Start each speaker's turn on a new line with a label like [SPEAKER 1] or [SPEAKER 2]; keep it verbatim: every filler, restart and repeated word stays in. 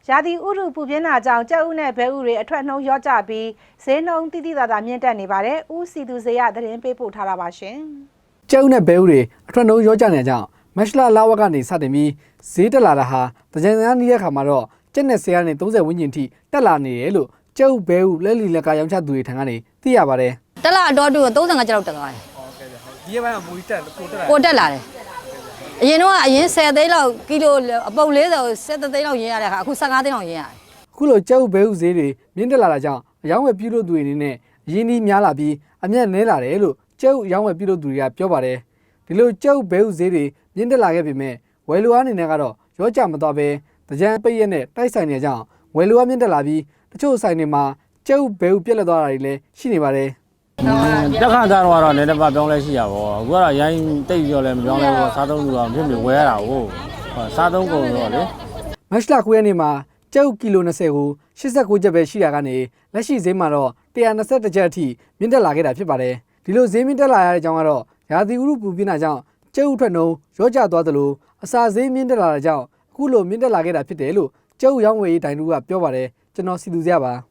[SPEAKER 1] ရာသီဥတုပူပြင်းတာကြောင့်ကြက်ဥနဲ့ဘဲဥတွေအထွက်နှုံးလျော့ကျပြီးဈေးနှုန်းတိတိကျကျမြင့်တက်နေပါတယ်။ဦးစီသူစေရသတင်းပေးပို့ထားတာပါရှင်။
[SPEAKER 2] ကျက်ဥနဲ့ဘဲဥတွေအထွက်နှုံးလျော့ကျနေကြောင်းမက်ရှလာလာဝကနေစတင်ပြီးဈေးတက်လာတာဟာတကြံများနေတဲ့ခါမှာတော့ကျက်နဲ့ဆယ်ကနေသုံးဆယ်ဝန်းကျင်ထိတက်လာနေတယ်လို့ကျက်ဥဘဲဥလက်လီလက်ကရောင်းချသူတွေထံကနေသိရပါတယ်။
[SPEAKER 3] တက်လာတော့တူသုံးဆယ်ငါးကျပ်လောက်တက်သွားတယ်
[SPEAKER 2] ဟုတ်ကဲ့ဗျ။ဒီရက်ပိုင်းကမူကြီးတက်ကိုတက်လာ
[SPEAKER 3] ကိုတက်လာတယ်အရင်တော့အရင်ဆယ်သိန်းလောက်ကီလိုအပုပ်လေးဆယ်ဆယ်သိန်းလောက်ရင်းရတဲ့အခါအခုဆယ့်ငါးသိန်းလောက်ရင်းရတယ်
[SPEAKER 2] အခုလိုကျက်ဥဘဲဥဈေးတွေမြင့်တက်လာတာကြောင့်အယောင်းဝယ်ပြုလုပ်သူတွေအနေနဲ့အရင်းနှီးများလာပြီးအမြတ်နည်းလာတယ်လို့ကျက်ဥအယောင်းဝယ်ပြုလုပ်သူတွေကပြောပါတယ်ဒီလိုကျက်ဥဘဲဥဈေးတွေမြင့်တက်လာခဲ့ပေမဲ့ဝယ်လူအားအနေနဲ့ကတော့ရောကြမသွားပဲတကြံပိတ်ရက်နဲ့တိုက်ဆိုင်နေကြအောင်ဝယ်လူအားမြင့်တက်လာပြီးတချို့ဆိုင်တွေမှာကျက်ဥဘဲဥပြက်လက်သွားတာတွေလည်းရှိနေပါတယ်
[SPEAKER 4] တက်ခါသားတော့လည်းတစ်ပတ်ပြောင်းလဲရှိရပါဘောအခုကတော့ရိုင်းတိတ်ပြောလဲမပြောင်းလဲဘောစားသုံးလူတော့ဖြစ်ပြီးဝယ်ရတာကိုစားသုံးကုန်တော့လေ
[SPEAKER 2] မက်ရှလာကိုရက်နေ့မှာကျက်ဥကီလို၂၀ကို၈၉ကျပ်ပဲရှိတာကနေလက်ရှိဈေးမှာတော့၁၂၁ကျပ်အထိမြင့်တက်လာခဲ့တာဖြစ်ပါတယ်ဒီလိုဈေးမြင့်တက်လာရတဲ့အကြောင်းကတော့ရာသီဥတုပူပြင်းတာကြောင့်ကျက်ဥထွက်နှုန်းရောကျသွားသလိုအစာဈေးမြင့်တက်လာတဲ့ကြောင့်အခုလိုမြင့်တက်လာခဲ့တာဖြစ်တယ်လို့ကျက်ဥရောင်းဝယ်ရေးတိုင်တူကပြောပါတယ်ကျွန်တော်စီသူစရပါ